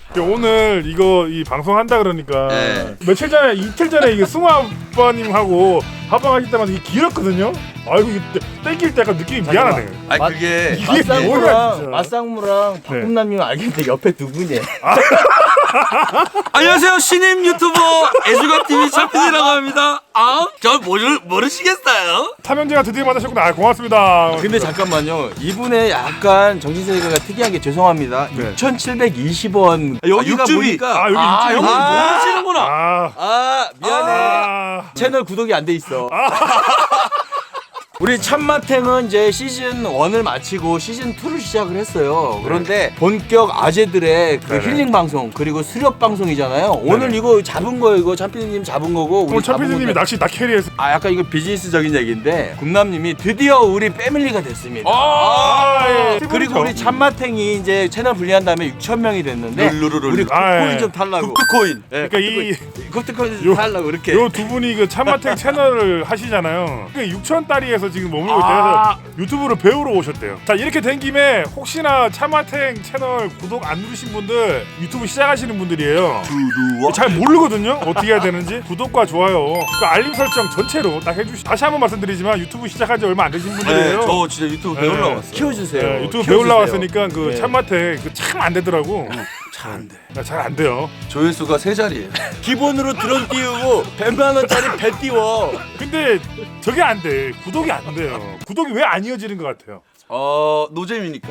오늘 이 방송 한다 그러니까 네. 며칠 전에 이틀 전에 이게 승우 아빠님하고 합방하실 때마다 이게 길었거든요. 아이고 이게 땡길 때 약간 느낌이 미안하네. 아니 그게 이게 뭐야 진짜. 맞상무랑 박금남님 알겠는데 옆에 두 분이에요. 안녕하세요 신임 유튜버 애주가TV 차피디라고 합니다. 저 모르시겠어요? 삼형제가 드디어 만나셨구나. 아, 고맙습니다. 근데 잠깐만요. 이분의 약간 정신세계가 특이한 게 죄송합니다. 네. 6,720원. 여기가 육즙이. 보니까 여기 형님 아. 모르시는구나. 미안해. 채널 구독이 안 돼 있어. 우리 참마탱은 이제 시즌 1을 마치고 시즌 2를 시작을 했어요. 그런데 본격 아재들의 그 네네. 힐링 방송 그리고 수렵 방송이잖아요. 오늘 이거 잡은 거예요. 이거 참피디님 잡은 거고. 오늘 참피디님이 낚시 다 캐리해서. 약간 이거 비즈니스적인 얘기인데 금남님이 드디어 우리 패밀리가 됐습니다. 예. 그리고 우리 참마탱이 이제 채널 분리한 다음에 6,000명이 됐는데 룰루루루. 우리 아, 코인 예. 좀 탈라고. 쿠크코인. 그러니까 코인 요- 좀 탈라고 이렇게. 요 두 분이 그 참마탱 채널을 하시잖아요. 그 6,000달이에서 지금 머물고 있대요. 유튜브를 배우러 오셨대요. 자, 이렇게 된 김에 혹시나 참마탱 채널 구독 안 누르신 분들 유튜브 시작하시는 분들이에요. 잘 모르거든요. 어떻게 해야 되는지. 구독과 좋아요, 그 알림 설정 전체로 딱 해주시. 다시 한번 말씀드리지만 유튜브 시작한 지 얼마 안 되신 분들이에요. 네, 저 진짜 유튜브 배우러 네. 왔어요. 키워주세요. 네, 유튜브 키워주세요. 배우러 왔으니까 그 네. 참마탱 참 안 되더라고. 잘 안 돼. 잘 안 돼요. 조회수가 3자리예요. 기본으로 드론 띄우고 100만 원짜리 배 띄워. 근데 저게 안 돼. 구독이 안 돼요. 구독이 왜 안 이어지는 것 같아요? 노잼이니까.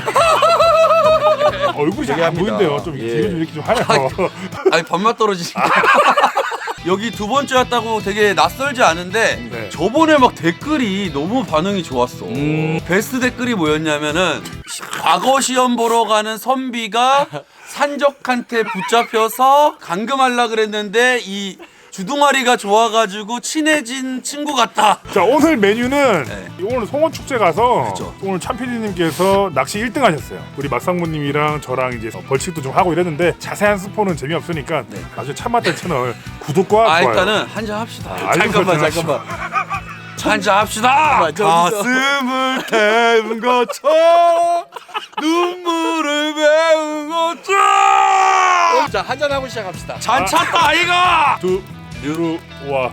얼굴이 잘 안 합니다. 보인대요. 좀 예. 뒤로 좀 이렇게 좀 하요. 아니 밥맛 떨어지니까. 여기 두 번째 왔다고 되게 낯설지 않은데 네. 저번에 막 댓글이 너무 반응이 좋았어. 베스트 댓글이 뭐였냐면은 과거 시험 보러 가는 선비가 산적한테 붙잡혀서 감금하려 그랬는데 이 주둥아리가 좋아가지고 친해진 친구 같다. 자, 오늘 메뉴는 네. 오늘 송원 축제 가서 그쵸. 오늘 참피디님께서 낚시 1등 하셨어요. 우리 막상무님이랑 저랑 이제 벌칙도 좀 하고 이랬는데 자세한 스포는 재미없으니까 네. 나중에 참맛대 채널 구독과 좋아요. 일단은 한잔 합시다. 알림 설정하시고. 한잔 합시다. 저기서. 가슴을 태운 것처럼 눈물을 배운 것처럼 자, 한잔 하고 시작합시다. 잔 찼다 아이가. 들어와.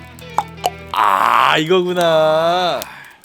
이거구나.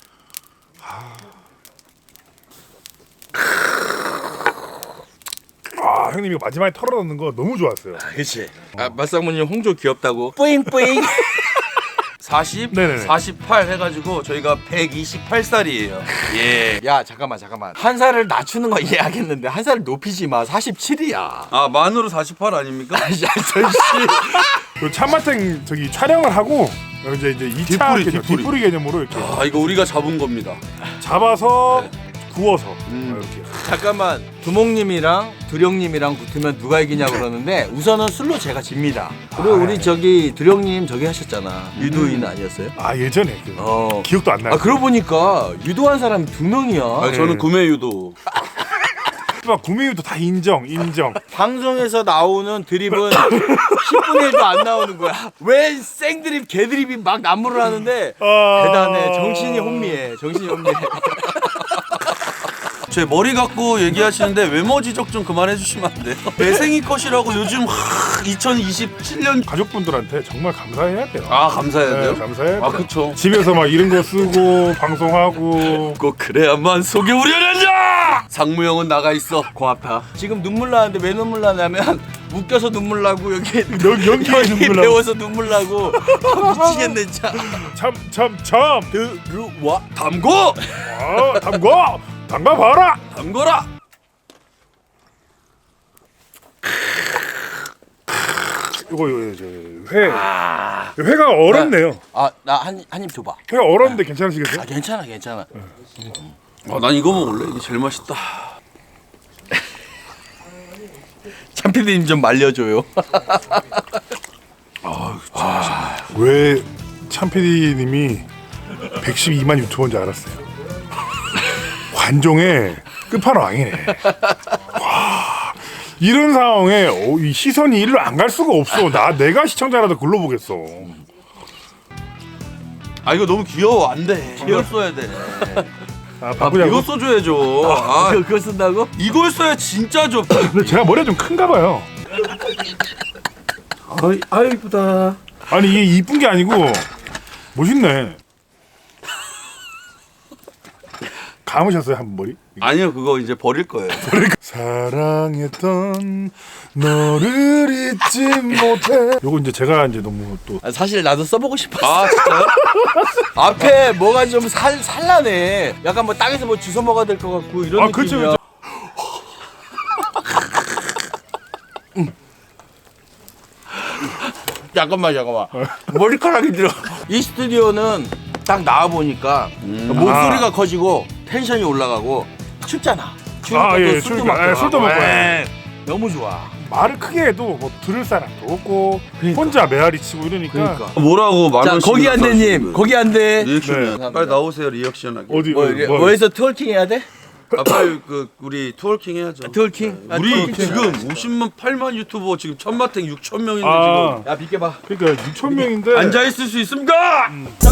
형님 이거 마지막에 털어넣는 거 너무 좋았어요. 그치. 맞상무님 홍조 귀엽다고. 뿌잉뿌잉. 40, 네네네. 48 해가지고 저희가 128살이에요. 예. 야, 잠깐만. 한 살을 낮추는 거 이해하겠는데 한 살을 높이지 마. 47이야. 아 만으로 48 아닙니까? 야, 절씨. 그 참맛탱 저기 촬영을 하고 이제 2차 뒷풀이. 뒷풀이 개념으로 이렇게 아 이거 우리가 잡은 겁니다. 잡아서 구워서 이렇게. 잠깐만. 두목님이랑 두령님이랑 붙으면 누가 이기냐 그러는데 우선은 술로 제가 집니다. 그리고 우리 저기 두령님 저기 하셨잖아. 유도인 아니었어요? 아, 예전에 기억도 안 나요. 그러고 보니까 유도한 사람이 2명이야. 아, 저는 구매 유도. 구매율도 다 인정. 방송에서 나오는 드립은 10분의 1도 안 나오는 거야. 왜 생드립, 개드립이 막 난무를 하는데 대단해. 정신이 혼미해. 제 머리 갖고 얘기하시는데 외모 지적 좀 그만해 주시면 안 돼요? 배생이 컷이라고 요즘 2027년 가족분들한테 정말 감사해야 돼요. 감사해야 돼요? 네, 감사해야 돼요. 아 그쵸. 집에서 막 이런 거 쓰고 방송하고. 꼭 그래야만 속이 우려낸다. 상무형은 나가 있어. 고맙다. 지금 눈물 나는데 왜 눈물 나냐면 웃겨서 눈물 나고 여기 연기에 눈물 나고. 배워서 눈물 나고 미치겠네 진짜. 참. 들어와. 담궈! 담가봐라. 담궈라! 이거 회가 얼었네요. 나 한 입 줘봐. 회가 얼었는데 괜찮으시겠어요? 괜찮아. 난 이거 먹을래. 이게 제일 맛있다. 참피디님 좀 말려줘요. 왜 참PD님이 112만 유튜버인 줄 알았어요. 관종의 끝판왕이네. 와, 이런 상황에 이 시선이 일로 안 갈 수가 없어. 내가 시청자라도 글로 보겠어. 아 이거 너무 귀여워. 안 돼. 이걸 써야 돼. 바꾸자고. 이거 써줘야죠. 그거 쓴다고? 이걸 써야 진짜 좋. 근데 제가 머리가 좀 큰가 봐요. 아이 이쁘다. 아니 이게 이쁜 게 아니고 멋있네. 감으셨어요 한 머리? 아니요, 그거 이제 버릴 거예요. 사랑했던 너를 잊지 못해. 요거 이제 제가 이제 너무 또 사실 나도 써보고 싶었어. 아, 진짜요? 앞에 뭐가 좀 산란해. 약간 뭐 땅에서 뭐 주워 먹어야 될 것 같고 이런 느낌이야. 그쵸. 잠깐만. 머리카락이 들어. 이 스튜디오는 딱 나와 보니까 목소리가 커지고 텐션이 올라가고 춥잖아. 추우니까 또 술도 술도 먹고. 술도 먹고. 너무 좋아. 말을 크게 해도 뭐 들을 사람도 없고 혼자 메아리 치고 이러니까. 뭐라고 자, 말을 거기 안 돼님. 거기 안 돼. 리액션. 네. 빨리 나오세요, 리액션하게. 어디 뭐에서 트월킹 해야 돼? 아, 빨리 우리 투어킹 해야죠. 트월킹? 아, 우리 트월킹. 지금 50만 8만 유튜버 지금 천마탱 6천 명인데 아, 야 비켜봐. 그러니까 6천 명인데 지금 앉아 있을 수 있습니까?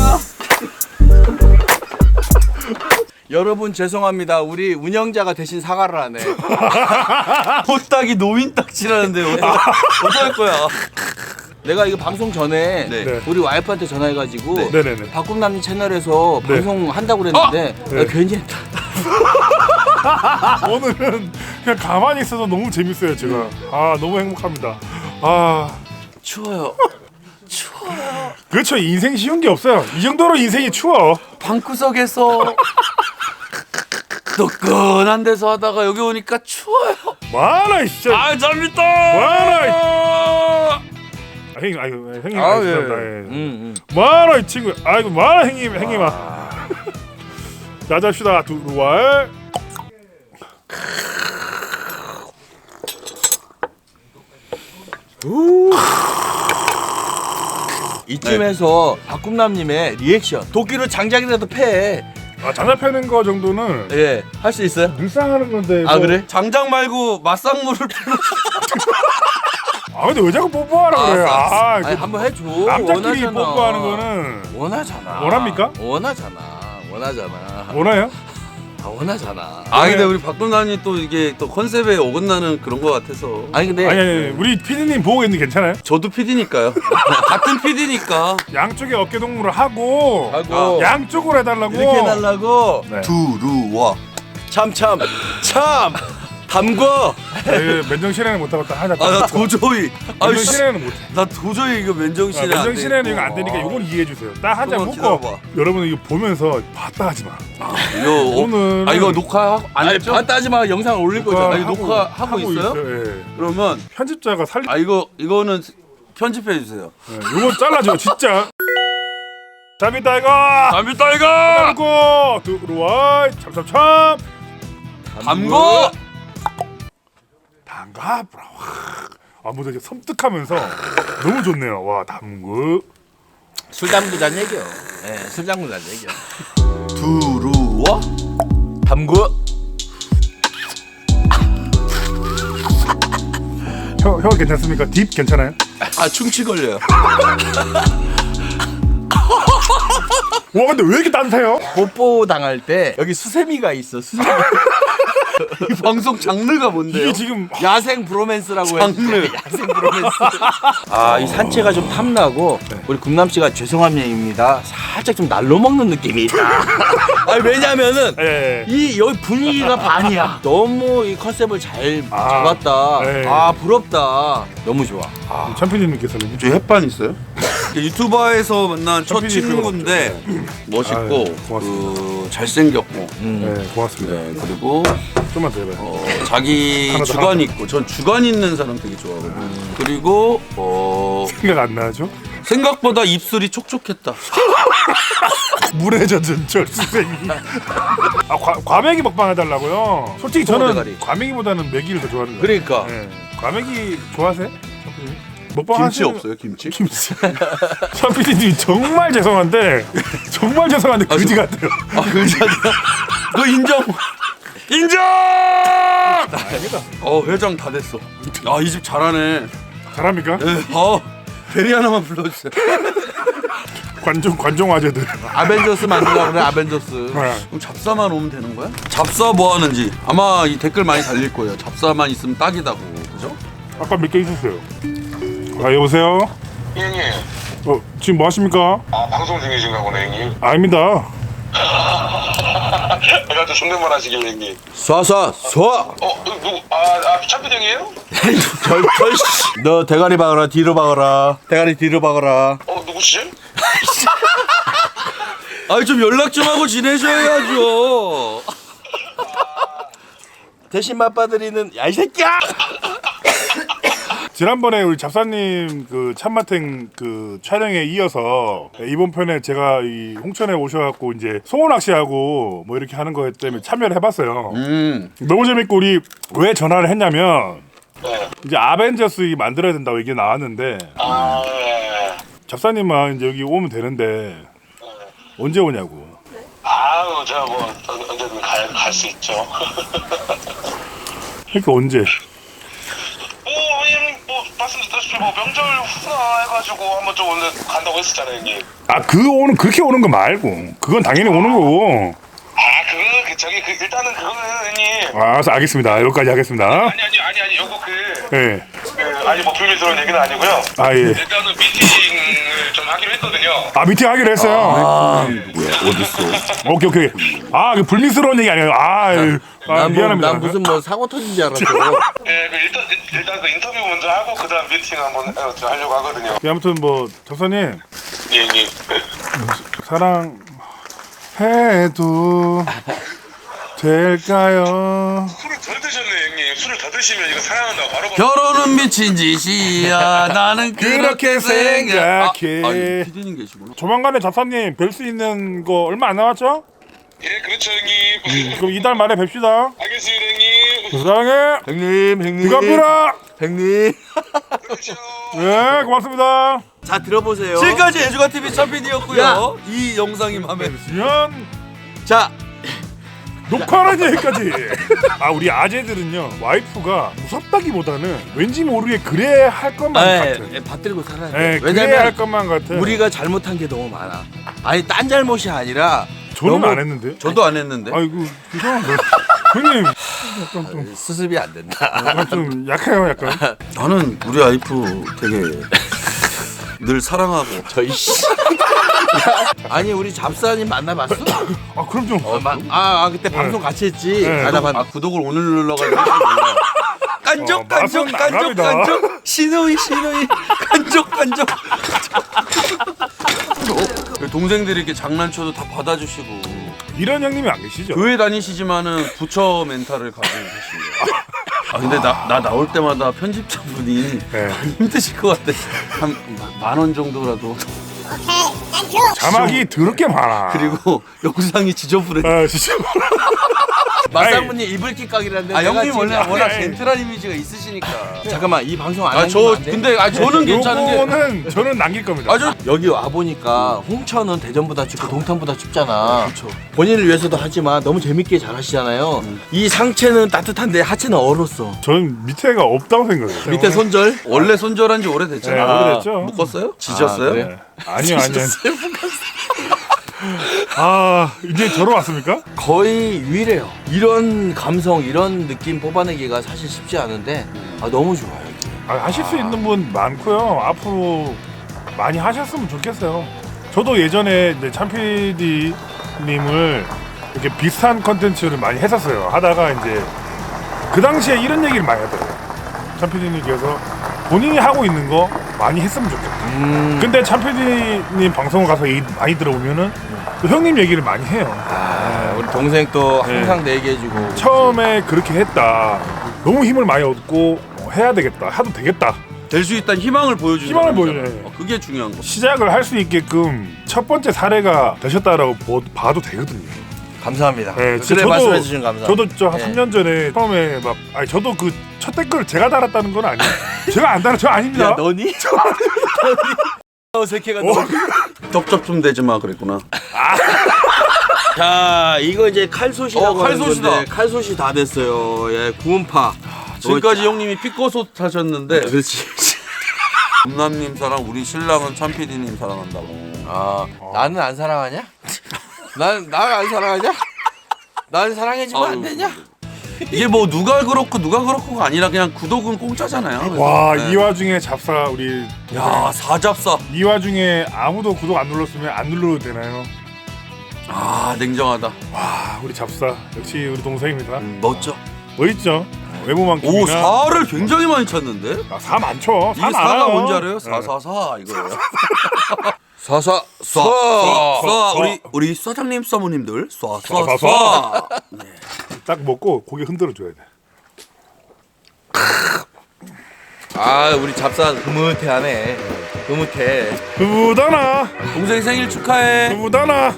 여러분 죄송합니다. 우리 운영자가 대신 사과를 하네. 호딱이 노인 딱지라는데 어떡할 거야? 내가 이거 방송 전에 네. 네. 우리 와이프한테 전화해가지고 네네네. 박꿈남님 채널에서 네. 방송 한다고 그랬는데 네. 괜히 했다. 오늘은 그냥 가만히 있어서 너무 재밌어요 제가. 아 너무 행복합니다. 아 추워요. 그렇죠. 인생 쉬운 게 없어요. 이 정도로 인생이 추워. 방구석에서 뜨끈한 데서 하다가 여기 오니까 추워요. 많아 진짜. 아, 재밌다. 많아. 형님, 아유 형님, 아, 죄송합니다. 예. 많아 이 친구. 아이고 많아 형님아. 자 잡시다 두루왈. 이쯤에서 박꿈남님의 리액션 도끼로 장작이라도 패. 아 장난 패는 거 정도는 예, 할 수 있어요? 늘상 하는 건데. 아 뭐. 그래? 장작 말고 맞상물을 풀어. 아 근데 왜 자꾸 뽀뽀하라 그래? 알았어, 아, 아니 그 한번 해줘. 남자끼리 원하잖아. 뽀뽀하는 거는 원하잖아. 원합니까? 원하잖아. 원해요? 아, 원하잖아. 아, 근데 우리 박동남이 또 이게 또 컨셉에 어긋나는 그런 거 같아서. 아니 근데 아니 우리 PD님 보고 있는데 괜찮아요? 저도 PD니까요. 같은 PD니까. 양쪽에 어깨 동무를 하고 하고 양쪽으로 해달라고. 이렇게 해달라고. 네. 두루와. 참 담궈. 네, 맨정신에는 못 하겠다. 하자. 아, 나 도저히. 아, 씨. 맨정신에는 못 해. 나 도저히 이거 맨정신에 안 돼. 맨정신에는 이거 안 되니까 이건 이해해 주세요. 딱 한 잔 조금만 먹고 기다려봐. 여러분 이거 보면서 봤다 하지 마. 이거 오늘은 아, 이거 녹화 안 아니 했죠? 봤다 하지 마. 영상을 올릴 거잖아. 아니, 녹화하고 있어요? 예. 그러면 편집자가 살리. 아, 이거는 편집해 주세요. 이거 잘라줘 진짜. 재밌다 이거. 재밌다 이거. 담고 들어와 참참참. 담고. 담가 브라. 아 뭐지 섬뜩하면서 너무 좋네요. 와 담그. 술 담그자는 얘기요. 예, 술 담그자는 얘기요. 두루와. 담궈. 혀 괜찮습니까? 딥 괜찮아요? 아, 충치 걸려요. 와 근데 왜 이렇게 따뜻해요? 뽀뽀 당할 때 여기 수세미가 있어. 수세미. 이 방송 장르가 뭔데요? 이게 지금 야생 브로맨스라고 장르. 해요. 야생 브로맨스. 아, 이 산채가 좀 탐나고 우리 금남 씨가 죄송합니다. 살짝 좀 날로 먹는 느낌이 있다. 아니 왜냐면은 예. 이 여기 분위기가 반이야. 너무 이 컨셉을 잘 아, 잡았다. 네. 아 부럽다. 너무 좋아. 참피디님께서는 저 햇반 있어요? 유튜버에서 만난 첫 PD 친구인데 멋있고 아유, 고맙습니다. 잘생겼고 네 고맙습니다. 네, 그리고 좀만 더 해봐요. 자기 하나 더, 주관 하나 더. 있고 전 주관 있는 사람 되게 좋아하거든요. 그리고 생각 안 나죠? 생각보다 입술이 촉촉했다. 물에 젖은 절수생이. 아 과메기 먹방 해달라고요? 솔직히 저는 대가리. 과메기보다는 메기를 더 좋아하는 거예요. 그러니까 네. 과메기 좋아하세요? 먹방 김치 하시는- 없어요, 김치? 김치. 참피디님 정말 죄송한데 그지 같아요. 아, 그잖아. 너 인정. 인정. 아닙니다. 회장 다 됐어. 아, 이 집 잘하네. 잘합니까? 네. 베리 하나만 불러주세요. 관종 아재들. 아벤져스 만들라 그래. 아벤져스. 네. 그럼 잡사만 오면 되는 거야? 잡사 뭐 하는지 아마 이 댓글 많이 달릴 거예요. 잡사만 있으면 딱이다고, 그죠? 아까 몇 개 있었어요. 아 여보세요? 형님. 지금 뭐 하십니까? 아 방송 중이신가 보네 형님. 아닙니다. 내가 또 존댓말 하시길래 형님. 쏴. 누구? 참필 형이에요? 너 대가리 박아라 뒤로 박아라. 대가리 뒤로 박아라. 누구시지? 아니 좀 연락 좀 하고 지내셔야죠. 대신 맛봐드리는 야 이 새끼야. 지난번에 우리 잡사님 그 참마탱 그 촬영에 이어서 이번 편에 제가 이 홍천에 오셔갖고 이제 송어 낚시하고 뭐 이렇게 하는 거 때문에 참여를 해봤어요. 너무 재밌고 우리 왜 전화를 했냐면 네. 이제 아벤져스 만들어야 된다고 얘기 나왔는데 네. 잡사님만 이제 여기 오면 되는데 언제 오냐고. 아유 제가 뭐 언제든 갈 수 있죠. 그러니까 언제? 형님 뭐 말씀드렸다시피 뭐 명절 후나 해가지고 한번 좀 오늘 간다고 했었잖아요 형님. 아 그렇게 오는 거 말고 그건 당연히 오는 거고. 일단은 그거는 형님. 알았어 알겠습니다. 여기까지 하겠습니다. 아니 요거 예. 아니 뭐 비밀스러운 얘기는 아니고요. 아 예. 일단은 미팅을 좀 하기로 했거든요. 아 미팅 하기로 했어요. 뭐야 어딨어? 오케이. 아 그 불미스러운 얘기 아니에요. 미안합니다. 난 무슨 뭐 사고 터진 줄 알았어. 네, 일단 그 인터뷰 먼저 하고 그다음 미팅 한번 하려고 하거든요. 아무튼 뭐 접사님 예, 형님. 사랑해도 될까요? 술을 덜 드셨네, 형님. 술을 더 드시면 이거 사랑한다고 바로. 결혼은 미친 짓이야. 나는 그렇게 생각해. 아니, 피디님 계시구나. 조만간에 잡사님 뵐 수 있는 거 얼마 안 남았죠? 예, 그렇죠, 형님. 그럼 이달 말에 뵙시다. 알겠습니다, 형님. 사랑해. 형님. 이갑니다. 형님. 그렇죠. 네 고맙습니다. 자 들어보세요. 지금까지 애주가TV 참PD였고요. 야. 이 영상이 마음에 미안. 자 녹화하는 얘기까지. 아 우리 아재들은요 와이프가 무섭다기보다는 왠지 모르게 그래야 할 것만 같아. 받들고 살아야 돼. 네, 그래야 할 왜냐면 것만 같아. 우리가 잘못한 게 너무 많아. 아니 딴 잘못이 아니라 저는 너무 안 했는데. 저도 안 했는데. 아이고 이상한 거. 형님 약간 좀, 수습이 안 된다. 약간 좀 약해요 약간. 나는 우리 와이프 되게 늘 사랑하고. 저희 씨. 아니 우리 잡사님 만나봤어? 아 그럼 좀. 그때 방송 같이 했지. 네. 아 구독을 오늘 눌러가지고 깐족 맛은 나갑니다. 신우이 깐족 동생들이 이렇게 장난쳐도 다 받아주시고 이런 형님이 안 계시죠? 교회 다니시지만은 부처 멘탈을 가지고 계십니다. 근데 나 나올 때마다 편집자분이 네. 힘드실 것 같아. 한 10,000원 정도라도. 자막이 더럽게 많아. 그리고 영상이 지저분해. 아 진짜. 마상무님 이불킥 각이라는데. 형님 원래 워낙 아니. 젠틀한 이미지가 있으시니까. 잠깐만 이 방송 안 하면 안 돼? 근데 저는 괜찮은 게. 요거는 저는 남길 겁니다. 여기 와 보니까 홍천은 대전보다 춥고 동탄보다 춥잖아. 그렇죠. 본인을 위해서도 하지만 너무 재밌게 잘 하시잖아요. 이 상체는 따뜻한데 하체는 얼었어. 저는 밑에가 없다고 생각해요. 밑에 손절? 원래 손절한 지 오래됐잖아. 네, 오래됐죠. 묶었어요? 지졌어요? 그래? 아니요. 아 이제 저러 왔습니까? 거의 유일해요. 이런 감성, 이런 느낌 뽑아내기가 사실 쉽지 않은데 너무 좋아요. 여기. 하실 수 있는 분 많고요. 앞으로 많이 하셨으면 좋겠어요. 저도 예전에 이제 참PD님을 이렇게 비슷한 컨텐츠를 많이 했었어요. 하다가 이제 그 당시에 이런 얘기를 많이 하더라고요. 참PD님께서 본인이 하고 있는 거 많이 했으면 좋겠다. 근데 참PD님 방송 가서 얘기 많이 들어보면은 또 형님 얘기를 많이 해요. 우리 동생 또 항상 내 얘기해주고. 처음에 그렇게 했다. 너무 힘을 많이 얻고 해야 되겠다. 해도 되겠다. 될 수 있다는 희망을 보여주는 희망을 사람이잖아. 보여줘요. 그게 중요한 거. 시작을 할 수 있게끔 첫 번째 사례가 되셨다라고 봐도 되거든요. 감사합니다. 네, 그래 말씀해주신 감사합니다. 저도 저 한 네. 3년 전에 처음에 막 저도 그 첫 댓글 제가 달았다는 건 아니에요. 제가 안 달아, 저 아닙니다. 야 너니? 어색해가 너. 덥접 좀 되지 마 그랬구나. 자 이거 이제 칼솥이라고 하는 칼솥이다. 건데 칼솥이 다 됐어요. 예, 구운파. 지금까지 형님이 피꺼솥 하셨는데 그렇지. 엄남님 사랑, 우리 신랑은 참PD님 사랑한다고. 나는 안 사랑하냐? 난 안 사랑하냐? 난 사랑해주면 안 되냐? 이게 뭐 누가 그렇고가 아니라 그냥 구독은 공짜잖아요. 와, 네. 이 와중에 잡사 우리 야, 사잡사. 이 와중에 아무도 구독 안 눌렀으면 안 눌러도 되나요? 아, 냉정하다. 와, 우리 잡사 역시 우리 동생입니다. 멋져. 멋있죠? 외모만 오, 4를 굉장히 많이 찾는데? 4 많죠. 이게 4 4가 많아요. 뭔지 알아요? 네. 444 이거예요. 사사 쏴 우리 사장님 사모님들 쏴. 딱 먹고 고개 흔들어 줘야 돼. 아 우리 잡사 흐뭇해하네. 흐뭇해. 부부다나 동생 생일 축하해. 부부다나.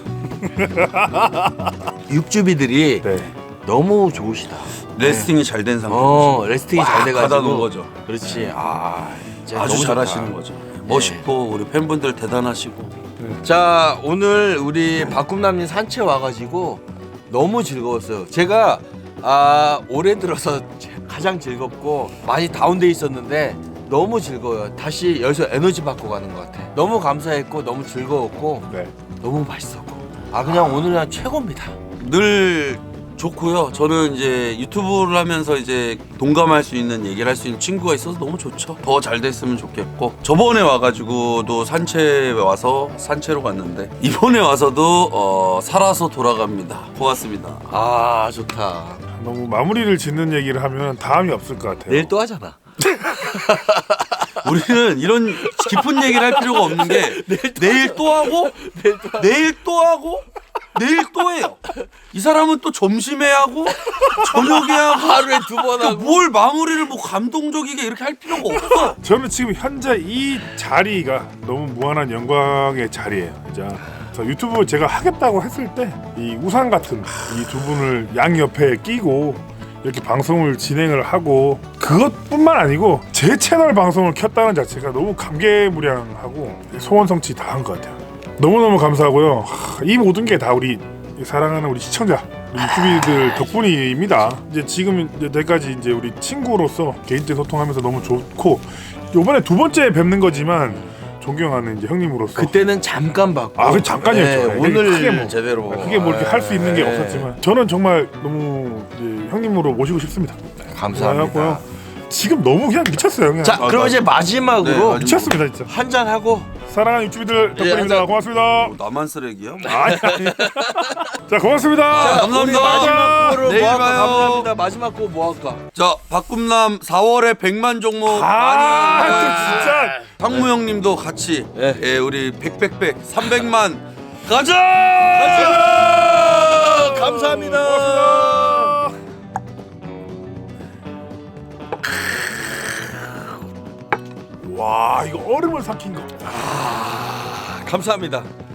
육주비들이 네. 너무 좋으시다. 레스팅이 잘 된 상태. 레스팅이 잘 꽉 돼가지고. 받아놓은 거죠. 그렇지. 이제 아주 너무 잘하시는 좋다. 거죠. 멋있고 우리 팬분들 대단하시고. 자 오늘 우리 박꿈남님 산책 와가지고 너무 즐거웠어요. 제가 올해 들어서 가장 즐겁고 많이 다운돼 있었는데 너무 즐거워요. 다시 여기서 에너지 받고 가는 것 같아. 너무 감사했고 너무 즐거웠고 네. 너무 맛있었고 그냥 오늘 그냥 최고입니다. 늘 좋고요. 저는 이제 유튜브를 하면서 이제 동감할 수 있는 얘기를 할 수 있는 친구가 있어서 너무 좋죠. 더 잘 됐으면 좋겠고 저번에 와가지고도 산채 와서 산채로 갔는데 이번에 와서도 살아서 돌아갑니다. 고맙습니다. 좋다. 너무 마무리를 짓는 얘기를 하면 다음이 없을 것 같아요. 내일 또 하잖아. 우리는 이런 깊은 얘기를 할 필요가 없는 게 내일 또 하고 내일 또 하고 내일 또 해요. 이 사람은 또 점심에 하고 저녁에 하고 하루에 2번 하고. 뭘 마무리를 뭐 감동적이게 이렇게 할 필요가 없어. 저는 지금 현재 이 자리가 너무 무한한 영광의 자리예요. 진짜. 그래서 유튜브 제가 하겠다고 했을 때 이 우산 같은 이 두 분을 양 옆에 끼고 이렇게 방송을 진행을 하고 그것뿐만 아니고 제 채널 방송을 켰다는 자체가 너무 감개무량하고 소원 성취 다 한 것 같아요. 너무너무 감사하고요. 이 모든 게 다 우리 사랑하는 우리 시청자, 우리 유튜비들 덕분입니다. 이제 지금 여기까지 이제 우리 친구로서 개인적인 소통하면서 너무 좋고 요번에 2번째 뵙는 거지만 존경하는 이제 형님으로서 그때는 잠깐 받고. 그 잠깐이었죠. 네, 오늘 크게 뭐, 제대로. 크게 뭐 이렇게 할 수 있는 게 없었지만 저는 정말 너무 이제 형님으로 모시고 싶습니다. 감사합니다. 그래갖고요. 지금 너무 그냥 미쳤어요. 그냥. 자, 그럼 이제 마지막으로 네, 미쳤습니다 진짜. 한잔 하고. 사랑하는 유튜비들 덕분입니다. 한잔. 고맙습니다. 나만 쓰레기야? 아니. 자 고맙습니다. 감사합니다. 마지막으로 내일 뭐 할까? 봐요. 감사합니다. 마지막 거 뭐 할까? 자, 박꿈남 4월에 100만 종목 또 많이 진짜. 상무 형님도 같이 네. 예, 우리 300만 가자! 감사합니다. 와 이거 얼음을 삭힌 거. 감사합니다.